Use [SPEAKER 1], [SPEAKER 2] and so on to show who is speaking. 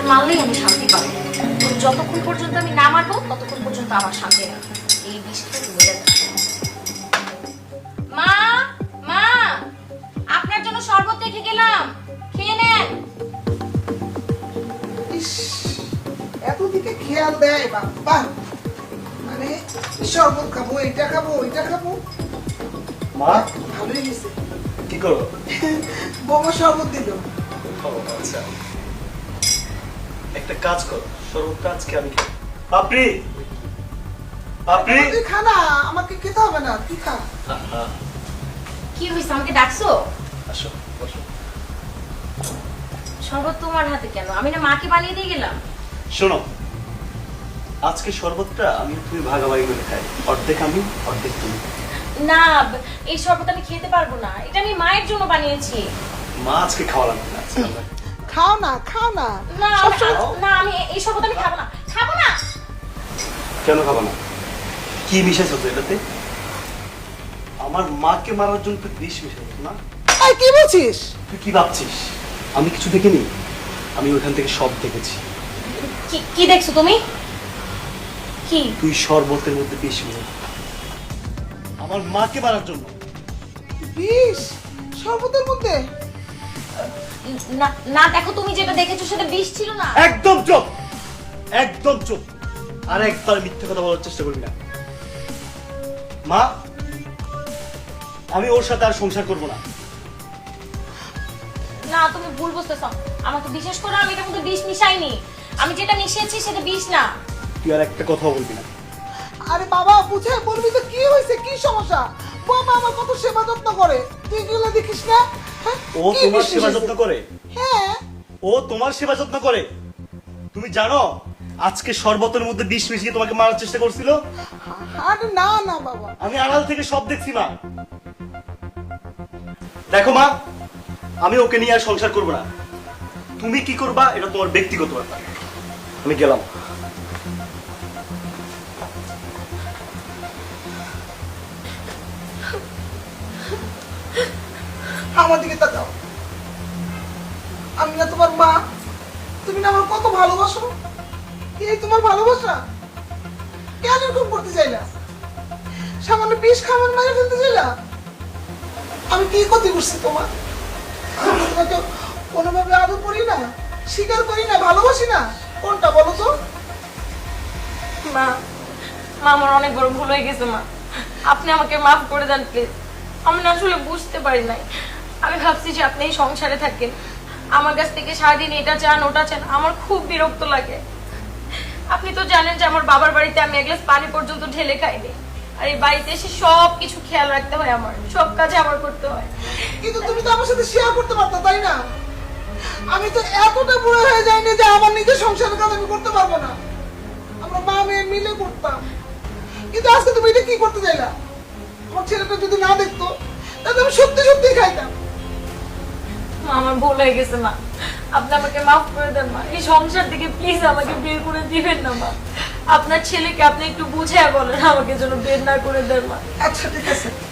[SPEAKER 1] মারলেই আমি শান্তি পাবো। তো যতক্ষণ পর্যন্ত আমি না মারবো ততক্ষণ পর্যন্ত আমার শান্তি নেই। এই বিষটা তুমি মা মা আপনার জন্য শরবত রেখে গেলাম, খেয়ে নেন।
[SPEAKER 2] এতদিকে খেয়াল দেয় বাবা, মানে শরবত খাবো, এটা খাবো, ওইটা খাবো।
[SPEAKER 3] মা
[SPEAKER 2] ভালোই গেছে।
[SPEAKER 3] কি করো?
[SPEAKER 2] বৌমা শরবত দিল।
[SPEAKER 3] আচ্ছা, একটা কাজ করো, শরবতটা আজকে আমি খাই। আপনি আপনি
[SPEAKER 2] তুই খা না, আমাকে খেতে হবে না, তুই খা।
[SPEAKER 1] কি হয়েছে, আমাকে ডাকছো?
[SPEAKER 3] আসো বসো।
[SPEAKER 1] শরবত তোমার হাতে কেন? আমি না মাকে বানিয়ে দিয়ে গেলাম।
[SPEAKER 3] শোনো, আজকে শরবতটা আমি তুমি ভাগাভাগি করে খাই, অর্ধেক আমি অর্ধেক তুমি।
[SPEAKER 1] না, এই শরবত আমি খেতে পারবো না, এটা আমি মায়ের জন্য বানিয়েছি।
[SPEAKER 3] মা আজকে খাওয়া লাগবে না, আজকে আমরা
[SPEAKER 2] খাও না, খাও না।
[SPEAKER 1] না না, আমি এই শরবত আমি খাবো না, খাবো না।
[SPEAKER 3] কেন খাবো না? কি মিশাইছো তো এটাতে? আমার মাকে মারার জন্য তুই বিষ মিশাইছো না?
[SPEAKER 2] এই কি বলছিস?
[SPEAKER 3] তুই কি ভাবছিস আমি কিছু দেখিনি? আমি ওখান থেকে সব দেখেছি।
[SPEAKER 1] কি কি দেখছো তুমি? কি?
[SPEAKER 3] তুই শরবতের মধ্যে বিষ মিশাই আমার মাকে মারার জন্য।
[SPEAKER 2] বিষ শরবতের মধ্যে?
[SPEAKER 1] না না, দেখো তুমি যেটা দেখেছো সেটা বিষ ছিল না।
[SPEAKER 3] একদম চুপ, একদম চুপ। আর একবার মিথ্যে কথা বলার চেষ্টা করবি না। মা, আমি ওর সাথে আর সংসার করব না।
[SPEAKER 1] না, তুমি ভুল বুঝতেছো। আমাকে বিশ্বাস করো, আমি এটার মধ্যে বিষ মিশাইনি। আমি যেটা মিশিয়েছি সেটা বিষ না।
[SPEAKER 3] তুই আর একটা কথা বলবি না।
[SPEAKER 2] আরে বাবা, বুঝে বলবি তো, কি হয়েছে, কি সমস্যা? বৌমা আমার কত সেবা যত্ন করে, তুই এগুলো দেখিস না? হ্যাঁ?
[SPEAKER 3] ও
[SPEAKER 2] কি
[SPEAKER 3] তোমার
[SPEAKER 2] বিষ
[SPEAKER 3] সেবা
[SPEAKER 2] মিশিয়েছে?
[SPEAKER 3] যত্ন করে?
[SPEAKER 2] হ্যাঁ।
[SPEAKER 3] ও তোমার সেবা যত্ন করে? তুমি জানো আজকে শরবতের মধ্যে বিষ মিশিয়ে তোমাকে মারার চেষ্টা করছিল?
[SPEAKER 2] আরে না না বাবা।
[SPEAKER 3] আমি আড়াল থেকে সব দেখছি মা। দেখো মা, আমি ওকে নিয়ে আর সংসার করবো না। তুমি কি করবা এটা তোমার ব্যক্তিগত ব্যাপার। আমি গেলাম।
[SPEAKER 2] আমার দিকে তাকাও। আমি না তোমার মা? তুমি না আমার কত ভালোবাসো? এই তোমার ভালোবাসা? কেন এরকম করতে চাইলা? সামান্য বিষ খাবার মাঝে ফেলতে চাইলা? আমি কি ক্ষতি করছি তোমার? আমি তোমাকে কোনোভাবে আদর করি না, স্বীকার করি না, ভালোবাসি না? কোনটা বলো তো?
[SPEAKER 1] মা, মা আমার অনেক বড় ভুল হয়ে গেছে মা। আপনি আমাকে মাফ করে দেন প্লিজ। আমি না আসলে বুঝতে পারি নাই। আমি ভাবছি যে আপনি এই সংসারে থাকেন, আমার কাছ থেকে সারাদিন এটা চান ওটা চান, আমার খুব বিরক্ত লাগে। আপনি তো জানেন যে আমার বাবার বাড়িতে আমি এক গ্লাস পানি পর্যন্ত ঢেলে খাইনি, আর এই বাড়িতে এসে সব কিছু খেয়াল রাখতে হয়, আমার সব কাজে আমার করতে হয়।
[SPEAKER 2] কিন্তু তুমি তো আমার সাথে শেয়ার করতে পারতো, তাই না? আমি তো এতটা বুড়ো হয়ে যাইনি যে আমার নিজের সংসারের কাজ আমি করতে পারবো না। আমরা মা মেয়ে মিলে করতাম। কিন্তু আজকে তুমি এটা কি করতে চাইলা? আমার ছেলেটা যদি না দেখতো তাহলে আমি সত্যি সত্যি খাইতাম।
[SPEAKER 1] মা, আমার ভুল হয়ে গেছে মা, আপনি আমাকে মাফ করে দেন মা। এই সংসার থেকে প্লিজ আমাকে বের করে দিবেন না মা। আপনার ছেলেকে আপনি একটু বুঝিয়ে বলেন আমাকে যেন বের না করে দেন মা।
[SPEAKER 2] আচ্ছা ঠিক আছে,